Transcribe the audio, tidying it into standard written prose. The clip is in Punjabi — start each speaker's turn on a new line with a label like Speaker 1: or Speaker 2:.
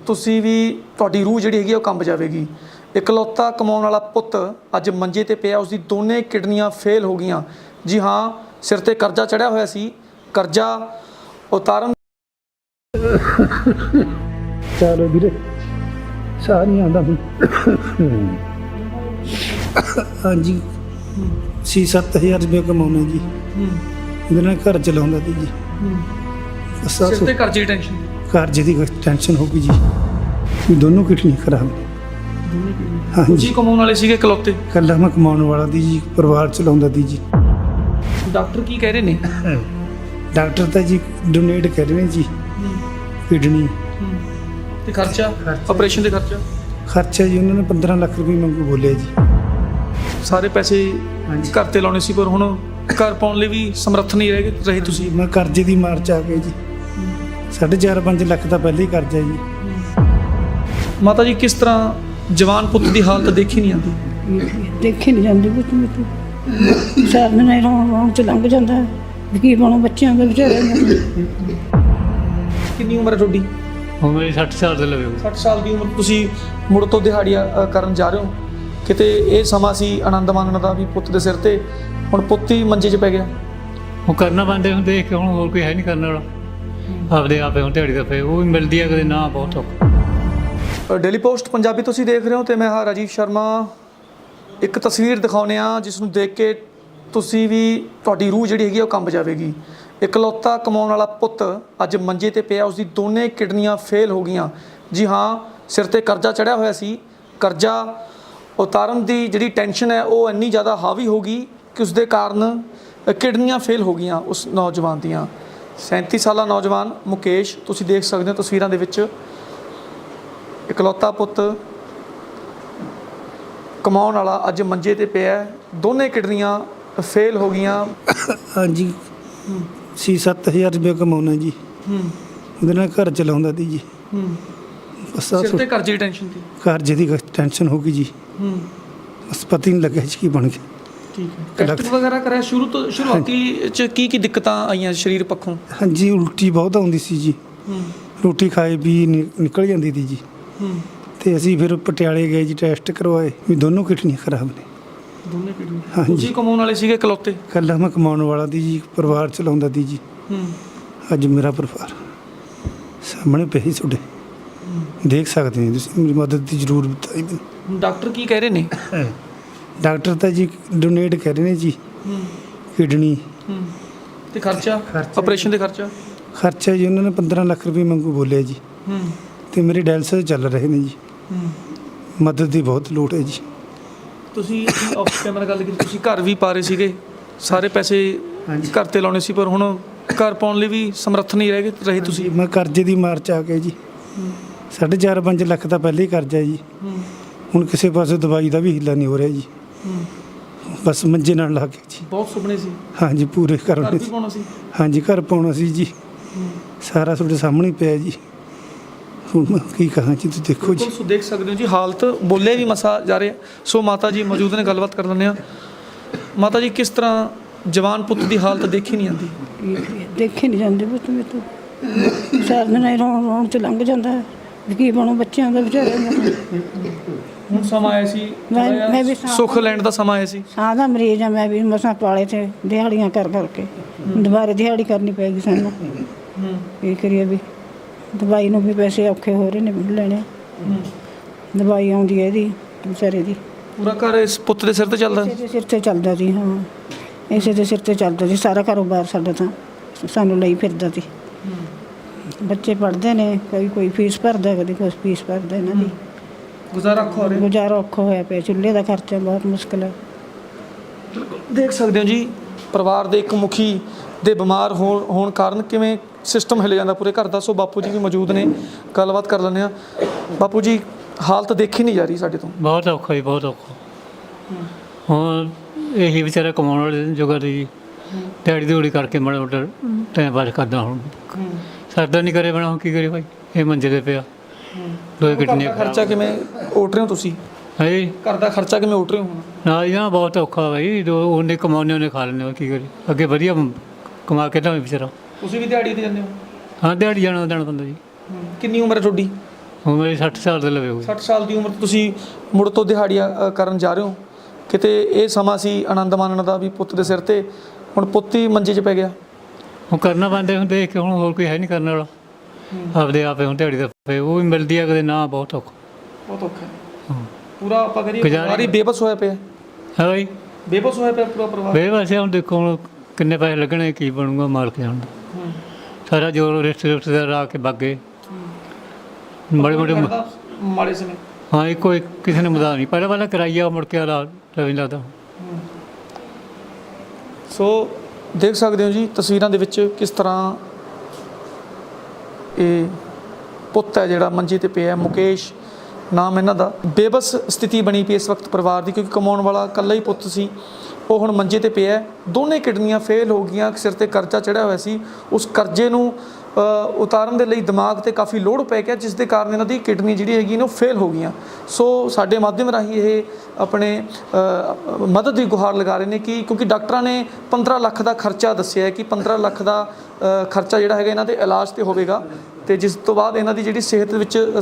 Speaker 1: ਤੁਸੀਂ ਵੀ ਤੁਹਾਡੀ ਰੂਹ ਜਿਹੜੀ ਹੈਗੀ ਉਹ ਕੰਬ ਜਾਵੇਗੀ। ਇਕਲੌਤਾ ਕਮਾਉਣ ਵਾਲਾ ਪੁੱਤ ਅੱਜ ਮੰਜੇ ਤੇ ਪਿਆ, ਉਸਦੀ ਦੋਨੇ ਕਿਡਨੀਆਂ ਫੇਲ ਹੋ ਗਈਆਂ। ਜੀ ਹਾਂ, ਸਿਰ ਤੇ ਕਰਜ਼ਾ ਚੜਿਆ ਹੋਇਆ ਸੀ, ਕਰਜ਼ਾ ਉਤਾਰਨ
Speaker 2: ਚਲੋ ਵੀਰੇ, ਸਾਹ ਨਹੀਂ ਆਉਂਦਾ ਹੁਣ। ਹਾਂਜੀ 6-7 ਹਜ਼ਾਰ ਰੁਪਏ ਕਮਾਉਣਾ ਜੀ, ਇਹਦੇ ਨਾਲ ਘਰ ਚਲਾਉਂਦਾ ਸੀ ਜੀ।
Speaker 1: ਸਿਰ ਤੇ ਕਰਜ਼ੇ ਦੀ ਟੈਨਸ਼ਨ,
Speaker 2: ਕਰਜ਼ੇ ਦੀ ਟੈਨਸ਼ਨ ਹੋ ਗਈ ਜੀ, ਦੋਨੋਂ ਕਿਡਨੀ ਖਰਾਬ ਨੇ। ਹਾਂਜੀ,
Speaker 1: ਤੁਸੀਂ ਕਮਾਉਣ ਵਾਲੇ ਸੀਗੇ ਇਕਲੌਤੇ।
Speaker 2: ਇਕੱਲਾ ਮੈਂ ਕਮਾਉਣ ਵਾਲਾ ਦੀ ਜੀ, ਪਰਿਵਾਰ ਚਲਾਉਂਦਾ ਦੀ ਜੀ।
Speaker 1: ਡਾਕਟਰ ਕੀ ਕਹਿ ਰਹੇ ਨੇ?
Speaker 2: ਡਾਕਟਰ ਤਾਂ ਜੀ ਡੋਨੇਟ ਕਰ ਰਹੇ ਨੇ ਜੀ ਕਿਡਨੀ।
Speaker 1: ਤੇ ਖਰਚਾ, ਆਪਰੇਸ਼ਨ ਦੇ
Speaker 2: ਖਰਚਾ ਜੀ ਉਹਨਾਂ ਨੇ 15 ਲੱਖ ਰੁਪਏ ਮੰਗੂ ਬੋਲਿਆ ਜੀ।
Speaker 1: ਸਾਰੇ ਪੈਸੇ ਘਰ ਤੇ ਲਾਉਣੇ ਸੀ, ਪਰ ਹੁਣ ਘਰ ਪਾਉਣ ਲਈ ਵੀ ਸਮਰੱਥ ਨਹੀਂ ਰਹੇ ਤੁਸੀਂ।
Speaker 2: ਮੈਂ ਕਰਜ਼ੇ ਦੀ ਮਾਰ ਚ ਆ ਕੇ ਜੀ 4.5 ਲੱਖ ਦਾ ਪਹਿਲੇ ਹੀ ਕਰਜ਼ਾ ਜੀ।
Speaker 1: ਮਾਤਾ ਜੀ, ਕਿਸ ਤਰ੍ਹਾਂ ਜਵਾਨ ਪੁੱਤ ਦੀ ਹਾਲਤ ਦੇਖੀ ਨਹੀਂ ਆਉਂਦੀ?
Speaker 3: ਦੇਖੀ ਨਹੀਂ ਜਾਂਦੀ ਪੁੱਤ ਮੇਰੇ ਸਾਰ ਦਿਨ ਰੌਣ ਚ ਲੰਘ ਜਾਂਦਾ ਹੈ। ਕੀ ਬਣੋ ਬੱਚਿਆਂ ਦਾ ਵਿਚਾਰਿਆਂ ਦਾ।
Speaker 1: ਕਿੰਨੀ ਉਮਰ ਹੈ ਤੁਹਾਡੀ?
Speaker 4: ਹੁਣ ਮੇਰੀ 60 ਸਾਲ ਦੇ ਲਵੇ।
Speaker 1: 60 ਸਾਲ ਦੀ ਉਮਰ, ਤੁਸੀਂ ਮੁੜ ਤੋਂ ਦਿਹਾੜੀਆਂ ਕਰਨ ਜਾ ਰਹੇ ਹੋ। ਕਿਤੇ ਇਹ ਸਮਾਂ ਸੀ ਆਨੰਦ ਮਾਣਨ ਦਾ ਵੀ ਪੁੱਤ ਦੇ ਸਿਰ ਤੇ, ਹੁਣ ਪੁੱਤ ਹੀ ਮੰਜੇ 'ਚ ਪੈ ਗਿਆ।
Speaker 4: ਉਹ ਕਰਨਾ ਪੈਂਦੇ ਹੁਣ, ਦੇਖ ਕੇ ਹੁਣ ਹੋਰ ਕੋਈ ਹੈ ਨਹੀਂ ਕਰਨ ਵਾਲਾ। ਆਪਦੇ ਆਪੇ ਹੁਣ ਦਿਹਾੜੀ ਦਾ ਪਏ, ਉਹ ਵੀ ਮਿਲਦੀ ਹੈ ਕਦੇ ਨਾ, ਬਹੁਤ ਔਖਾ।
Speaker 1: ਡੇਲੀ ਪੋਸਟ ਪੰਜਾਬੀ ਤੁਸੀਂ ਦੇਖ ਰਹੇ ਹੋ ਤੇ ਮੈਂ ਹਾਂ ਰਾਜੀਵ ਸ਼ਰਮਾ। ਇੱਕ ਤਸਵੀਰ ਦਿਖਾਉਂਦੇ ਹਾਂ ਜਿਸ ਨੂੰ ਦੇਖ ਕੇ ਤੁਸੀਂ ਵੀ, ਤੁਹਾਡੀ ਰੂਹ ਜਿਹੜੀ ਹੈਗੀ ਉਹ ਕੰਬ ਜਾਵੇਗੀ। ਇਕਲੌਤਾ ਕਮਾਉਣ ਵਾਲਾ ਪੁੱਤ ਅੱਜ ਮੰਜੇ ਤੇ ਪਿਆ, ਉਸਦੀ ਦੋਨੇ ਕਿਡਨੀਆਂ ਫੇਲ ਹੋ ਗਈਆਂ। ਜੀ ਹਾਂ, ਸਿਰ ਤੇ ਕਰਜ਼ਾ ਚੜਿਆ ਹੋਇਆ ਸੀ, ਕਰਜ਼ਾ ਉਤਾਰਨ ਦੀ ਜਿਹੜੀ ਟੈਨਸ਼ਨ ਹੈ ਉਹ ਇੰਨੀ ਜ਼ਿਆਦਾ ਹਾਵੀ ਹੋ ਗਈ ਕਿ ਉਸਦੇ ਕਾਰਨ ਕਿਡਨੀਆਂ ਫੇਲ ਹੋ ਗਈਆਂ ਉਸ ਨੌਜਵਾਨ ਦੀਆਂ। 37 ਸਾਲਾ ਨੌਜਵਾਨ ਮੁਕੇਸ਼, ਤੁਸੀਂ ਦੇਖ ਸਕਦੇ ਹੋ ਤਸਵੀਰਾਂ ਦੇ ਵਿੱਚ। ਇਕਲੌਤਾ ਪੁੱਤ ਕਮਾਉਣ ਵਾਲਾ ਅੱਜ ਮੰਜੇ ਤੇ ਪਿਆ, ਦੋਨੇ ਕਿਡਨੀਆਂ ਫੇਲ ਹੋ ਗਈਆਂ।
Speaker 2: ਹਾਂਜੀ 6-7 ਹਜ਼ਾਰ ਰੁਪਏ ਕਮਾਉਣਾ ਜੀ, ਉਹਦੇ ਨਾਲ ਘਰ ਚਲਾਉਂਦਾ ਸੀ ਜੀ।
Speaker 1: ਸਿਰ ਤੇ ਕਰਜ਼ੇ ਦੀ ਟੈਨਸ਼ਨ ਸੀ,
Speaker 2: ਕਰਜ਼ੇ ਦੀ ਟੈਨਸ਼ਨ ਹੋ ਗਈ ਜੀ। ਬਸ ਪਤਾ ਹੀ ਨਹੀਂ ਲੱਗਿਆ ਜੀ ਕੀ ਬਣ ਗਿਆ।
Speaker 1: ਠੀਕ ਹੈ, ਟੈਸਟ ਵਗੈਰਾ ਕਰਿਆ ਸ਼ੁਰੂ ਤੋਂ? ਸ਼ੁਰੂਆਤੀ ਚ ਕੀ ਦਿੱਕਤਾਂ ਆਈਆਂ ਸਰੀਰ ਪੱਖੋਂ?
Speaker 2: ਹਾਂਜੀ, ਉਲਟੀ ਬਹੁਤ ਆਉਂਦੀ ਸੀ ਜੀ, ਰੋਟੀ ਖਾਏ ਵੀ ਨਿਕਲ ਜਾਂਦੀ ਸੀ ਜੀ। ਤੇ ਅਸੀਂ ਫਿਰ ਪਟਿਆਲੇ ਗਏ ਜੀ, ਟੈਸਟ ਕਰਵਾਏ ਵੀ ਦੋਨੋਂ ਕਿਡਨੀਆਂ ਖਰਾਬ ਨੇ।
Speaker 1: ਦੋਨੇ ਕਿਡਨੀ।
Speaker 2: ਹਾਂਜੀ,
Speaker 1: ਤੁਸੀਂ ਕਮਾਉਣ ਵਾਲੇ ਸੀਗੇ ਇਕਲੌਤੇ?
Speaker 2: ਇਕੱਲਾ ਮੈਂ ਕਮਾਉਣ ਵਾਲਾ ਦੀ ਜੀ, ਪਰਿਵਾਰ ਚਲਾਉਂਦਾ ਦੀ ਜੀ। ਅੱਜ ਮੇਰਾ ਪਰਿਵਾਰ ਸਾਹਮਣੇ ਪਿਆ ਹੀ ਤੁਹਾਡੇ, ਦੇਖ ਸਕਦੇ ਹੋ ਤੁਸੀਂ। ਮੇਰੀ ਮਦਦ ਦੀ ਜ਼ਰੂਰਤ ਹੈ ਮੈਨੂੰ।
Speaker 1: ਡਾਕਟਰ ਕੀ ਕਹਿ ਰਹੇ ਨੇ?
Speaker 2: ਡਾਕਟਰ ਤਾਂ ਜੀ ਡੋਨੇਟ ਕਰ ਰਹੇ ਨੇ ਜੀ ਕਿਡਨੀ।
Speaker 1: ਤੇ ਖਰਚਾ, ਆਪਰੇਸ਼ਨ ਦੇ
Speaker 2: ਖਰਚਾ ਜੀ ਉਹਨਾਂ ਨੇ 15 ਲੱਖ ਰੁਪਏ ਮੰਗੂ ਬੋਲਿਆ ਜੀ। ਤੇ ਮੇਰੇ ਡਾਇਲਸਿਸ ਚੱਲ ਰਹੇ ਨੇ ਜੀ। ਮਦਦ ਦੀ ਬਹੁਤ ਲੋੜ ਹੈ ਜੀ।
Speaker 1: ਤੁਸੀਂ ਆਫ ਕੈਮਰਾ ਗੱਲ ਕੀਤੀ, ਤੁਸੀਂ ਘਰ ਵੀ ਪਾ ਰਹੇ ਸੀਗੇ, ਸਾਰੇ ਪੈਸੇ ਘਰ ਤੇ ਲਾਉਣੇ ਸੀ, ਪਰ ਹੁਣ ਘਰ ਪਾਉਣ ਲਈ ਵੀ ਸਮਰੱਥ ਨਹੀਂ ਰਹੇ ਤੁਸੀਂ।
Speaker 2: ਮੈਂ ਕਰਜ਼ੇ ਦੀ ਮਾਰ ਚ ਆ ਕੇ ਜੀ 4.5 ਲੱਖ ਦਾ ਪਹਿਲੇ ਹੀ ਕਰਜ਼ਾ ਜੀ। ਹੁਣ ਕਿਸੇ ਪਾਸੇ ਦਵਾਈ ਦਾ ਵੀ ਹੀਲਾ ਨਹੀਂ ਹੋ ਰਿਹਾ ਜੀ। ਬਸ ਮੰਜੇ ਨਾਲ ਲਾ ਕੇ ਜੀ।
Speaker 1: ਬਹੁਤ ਸੁਪਨੇ ਸੀ।
Speaker 2: ਹਾਂਜੀ, ਪੂਰੇ ਕਰਨੇ
Speaker 1: ਸੀ।
Speaker 2: ਹਾਂਜੀ, ਘਰ ਪਾਉਣਾ ਸੀ ਜੀ। ਸਾਰਾ ਤੁਹਾਡੇ ਸਾਹਮਣੇ ਪਿਆ ਜੀ। ਹੁਣ ਮੈਂ ਕੀ ਕਹਾਂ ਜੀ, ਤੁਸੀਂ ਦੇਖੋ ਜੀ।
Speaker 1: ਤੁਸੀਂ ਦੇਖ ਸਕਦੇ ਹੋ ਜੀ ਹਾਲਤ, ਬੋਲੇ ਵੀ ਮਸਾ ਜਾ ਰਹੇ। ਸੋ ਮਾਤਾ ਜੀ ਮੌਜੂਦ ਨੇ, ਗੱਲਬਾਤ ਕਰ ਲੈਂਦੇ ਹਾਂ। ਮਾਤਾ ਜੀ, ਕਿਸ ਤਰ੍ਹਾਂ ਜਵਾਨ ਪੁੱਤ ਦੀ ਹਾਲਤ ਦੇਖੀ ਨਹੀਂ ਆਉਂਦੀ?
Speaker 3: ਦੇਖੀ ਨਹੀਂ ਜਾਂਦੀ ਪੁੱਤ ਮੇਰੇ ਸਾਰ ਦਿਨ ਰੌਣ ਚ ਲੰਘ ਜਾਂਦਾ ਹੈ। ਕੀ ਬਣੋ ਬੱਚਿਆਂ ਦਾ ਵਿਚਾਰਿਆਂ ਦਾ।
Speaker 1: ਹੁਣ ਸਮਾਂ ਆਇਆ ਸੀ,
Speaker 3: ਮੈਂ ਵੀ
Speaker 1: ਸੁੱਖ ਲੈਣ ਦਾ ਸਮਾਂ ਆਇਆ ਸੀ।
Speaker 3: ਸਾਹ ਦਾ ਮਰੀਜ਼ ਆ, ਮੈਂ ਵੀ ਮਸਾਂ ਪਾਲੇ ਤੇ ਦਿਹਾੜੀਆਂ ਕਰਕੇ ਦੁਬਾਰਾ ਦਿਹਾੜੀ ਕਰਨੀ ਪੈਗੀ ਸਾਨੂੰ। ਕੀ ਕਰੀਏ ਵੀ, ਦਵਾਈ ਨੂੰ ਵੀ ਪੈਸੇ ਔਖੇ ਹੋ ਰਹੇ ਨੇ ਲੈਣੇ। ਦਵਾਈ ਆਉਂਦੀ ਹੈ ਇਹਦੀ ਵਿਚਾਰੇ ਦੀ।
Speaker 1: ਪੂਰਾ ਘਰ ਇਸ ਪੁੱਤ ਦੇ ਸਿਰ ਤੇ ਚੱਲਦਾ?
Speaker 3: ਇਸੇ ਦੇ ਸਿਰ ਤੇ ਚੱਲਦਾ ਸੀ। ਹਾਂ, ਇਸੇ ਦੇ ਸਿਰ ਤੇ ਚੱਲਦਾ ਸੀ ਸਾਰਾ ਕਾਰੋਬਾਰ ਸਾਡਾ। ਤਾਂ ਸਾਨੂੰ ਲਈ ਫਿਰਦਾ ਸੀ। ਬੱਚੇ ਪੜ੍ਹਦੇ ਨੇ, ਕੋਈ ਫੀਸ ਭਰਦਾ, ਕਦੇ ਕੁਛ ਫੀਸ ਭਰਦਾ। ਇਹਨਾਂ ਦੀ ਗੁਜ਼ਾਰਾ ਔਖਾ ਹੋਇਆ ਪਿਆ। ਚੁੱਲ੍ਹੇ ਦਾ ਖਰਚਾ ਬਹੁਤ ਮੁਸ਼ਕਿਲ ਹੈ।
Speaker 1: ਦੇਖ ਸਕਦੇ ਹੋ ਜੀ, ਪਰਿਵਾਰ ਦੇ ਇੱਕ ਮੁਖੀ ਦੇ ਬਿਮਾਰ ਹੋਣ ਕਾਰਨ ਕਿਵੇਂ ਸਿਸਟਮ ਹਿੱਲ ਜਾਂਦਾ ਪੂਰੇ ਘਰ ਦਾ। ਸੋ ਬਾਪੂ ਜੀ ਵੀ ਮੌਜੂਦ ਨੇ, ਗੱਲਬਾਤ ਕਰ ਲੈਂਦੇ ਹਾਂ। ਬਾਪੂ ਜੀ, ਹਾਲਤ ਦੇਖੀ ਨਹੀਂ ਜਾ ਰਹੀ ਸਾਡੇ ਤੋਂ।
Speaker 4: ਬਹੁਤ ਔਖਾ ਜੀ, ਬਹੁਤ ਔਖਾ। ਹੁਣ ਇਹੀ ਵਿਚਾਰਾ ਕਮਾਉਣ ਵਾਲੇ ਜੋਗਾ ਜੀ, ਦਿਹਾੜੀ ਦਿਹੜੀ ਕਰਕੇ ਮਾੜਾ ਮੋਟਾ ਟਾਈਮ ਪਾਸ ਕਰਦਾ। ਹੁਣ ਸਰਦਾ ਨਹੀਂ ਕਰੇ ਬਣਾ, ਹੁਣ ਕੀ ਕਰੇ ਭਾਈ, ਇਹ ਮੰਜੇ ਤੇ ਪਿਆ। ਦੋਏ ਕਿਡਨੀਆਂ।
Speaker 1: ਖਰਚਾ ਕਿਵੇਂ ਉੱਟ ਰਹੇ ਹੋ ਤੁਸੀਂ?
Speaker 4: ਹੈ ਜੀ,
Speaker 1: ਘਰ ਦਾ ਖਰਚਾ ਕਿਵੇਂ ਉੱਟ ਰਹੇ ਹੋ?
Speaker 4: ਨਾ ਜੀ ਨਾ, ਬਹੁਤ ਔਖਾ ਭਾਈ। ਉਹਨੇ ਕਮਾਉਂਦੇ ਉਹਨੇ ਖਾ ਲੈਂਦੇ, ਕੀ ਕਰੀ। ਅੱਗੇ ਵਧੀਆ ਕਮਾ ਕੇ ਤਾਂ ਵਿਚਾਰਾ।
Speaker 1: ਤੁਸੀਂ ਵੀ ਦਿਹਾੜੀ ਤੇ ਜਾਂਦੇ ਹੋ?
Speaker 4: ਹਾਂ, ਦਿਹਾੜੀ ਜਾਣਾ ਪੈਂਦਾ ਜੀ।
Speaker 1: ਕਿੰਨੀ ਉਮਰ ਹੈ ਤੁਹਾਡੀ?
Speaker 4: ਹੁਣ ਮੇਰੀ 60 ਸਾਲ ਦੇ ਲਵੇ ਹੋਈ
Speaker 1: 60 ਸਾਲ ਦੀ ਉਮਰ 'ਚ ਤੁਸੀਂ ਮੁੜ ਤੋਂ ਦਿਹਾੜੀਆਂ ਕਰਨ ਜਾ ਰਹੇ ਹੋ। ਕਿਤੇ ਇਹ ਸਮਾਂ ਸੀ ਆਨੰਦ ਮਾਣਨ ਦਾ ਵੀ ਪੁੱਤ ਦੇ ਸਿਰ ਤੇ, ਹੁਣ ਪੁੱਤ ਹੀ ਮੰਜੇ 'ਚ ਪੈ ਗਿਆ।
Speaker 4: ਹੁਣ ਕਰਨਾ ਪੈਂਦਾ, ਹੁਣ ਦੇਖ ਕੇ ਹੁਣ ਹੋਰ ਕੋਈ ਹੈ ਨਹੀਂ ਕਰਨ ਵਾਲਾ, ਆਪਦੇ ਆਪੇ ਹੁਣ ਦਿਹਾੜੀ ਦਾ ਪਏ ਉਹ ਵੀ ਮਿਲਦੀ ਆ ਕਦੇ ਨਾ, ਬਹੁਤ ਔਖਾ।
Speaker 1: ਬਹੁਤ ਔਖਾ ਹੈ
Speaker 4: ਹਾਂ
Speaker 1: ਪੂਰਾ, ਆਪਾਂ ਕਰੀਏ
Speaker 4: ਗੁਜ਼ਾਰਾ-
Speaker 1: ਪਰਿਵਾਰ ਹੀ ਬੇਬਸ ਹੋਇਆ ਪਿਆ,
Speaker 4: ਹੈ ਬਾਈ
Speaker 1: ਬੇਬਸ ਹੋਇਆ ਪਿਆ ਪੂਰਾ ਪਰਿਵਾਰ।
Speaker 4: ਬੇਵਸੇ ਹੁਣ ਦੇਖੋ ਹੁਣ ਕਿੰਨੇ ਪੈਸੇ ਲੱਗਣੇ, ਕੀ ਬਣੂਗਾ, ਮਾਲਕ ਜਾਣਦਾ। ਸਾਰਾ ਜੋਰ ਰਿਸ਼ਤੇਦਾਰ ਆ ਕੇ ਬਾਗੇ ਬੜੇ ਬੜੇ
Speaker 1: ਲੱਗਦਾ ਮਾੜੇ ਸਮੇਂ।
Speaker 4: ਹਾਂ ਇੱਕੋ ਇੱਕ ਕਿਸੇ ਨੇ ਮਦਦ ਨਹੀਂ, ਪਹਿਲਾਂ ਕਰਾਈਆ ਮੁੜ ਕੇ ਆਲਾ ਰਵਿੰਦਰ ਲੱਗਦਾ।
Speaker 1: ਸੋ ਦੇਖ ਸਕਦੇ ਹੋ ਜੀ ਤਸਵੀਰਾਂ ਦੇ ਵਿੱਚ ਕਿਸ ਤਰ੍ਹਾਂ ਇਹ ਪੁੱਤ ਹੈ ਜਿਹੜਾ ਮੰਜੇ ਤੇ ਪਿਆ, ਮੁਕੇਸ਼ ਨਾਮ ਇਹਨਾਂ ਦਾ। ਬੇਬਸ ਸਥਿਤੀ ਬਣੀ ਪਈ ਇਸ ਵਕਤ ਪਰਿਵਾਰ ਦੀ, ਕਿਉਂਕਿ ਕਮਾਉਣ ਵਾਲਾ ਇਕੱਲਾ ਹੀ ਪੁੱਤ ਸੀ, ਉਹ ਹੁਣ ਮੰਜੇ ਤੇ ਪਿਆ। ਦੋਨੇ ਕਿਡਨੀਆਂ ਫੇਲ ਹੋ ਗਈਆਂ, ਸਿਰ ਤੇ ਕਰਜ਼ਾ ਚੜ੍ਹਿਆ ਹੋਇਆ ਸੀ। ਉਸ ਕਰਜ਼ੇ ਨੂੰ ਉਤਾਰਨ ਦੇ ਲਈ ਦਿਮਾਗ ਤੇ ਕਾਫੀ ਲੋਡ ਪੈ ਗਿਆ, ਜਿਸ ਦੇ ਕਾਰਨ ਇਹਨਾਂ ਦੀ ਕਿਡਨੀ ਜਿਹੜੀ ਹੈਗੀ ਨਾ ਉਹ ਫੇਲ ਹੋ ਗਈਆਂ। ਸੋ ਸਾਡੇ ਮਾਧਿਅਮ ਰਾਹੀਂ ਇਹ ਆਪਣੇ ਮਦਦ ਦੀ ਗੁਹਾਰ ਲਗਾ ਰਹੇ ਨੇ ਕਿ ਕਿਉਂਕਿ ਡਾਕਟਰਾਂ ਨੇ 15 ਲੱਖ ਦਾ ਖਰਚਾ ਦੱਸਿਆ ਹੈ ਕਿ 15 ਲੱਖ ਦਾ ਖਰਚਾ ਜਿਹੜਾ ਹੈਗਾ ਇਹਨਾਂ ਦੇ ਇਲਾਜ ਤੇ ਹੋਵੇਗਾ, ਤੇ ਜਿਸ ਤੋਂ ਬਾਅਦ ਇਹਨਾਂ ਦੀ ਜਿਹੜੀ ਸਿਹਤ ਵਿੱਚ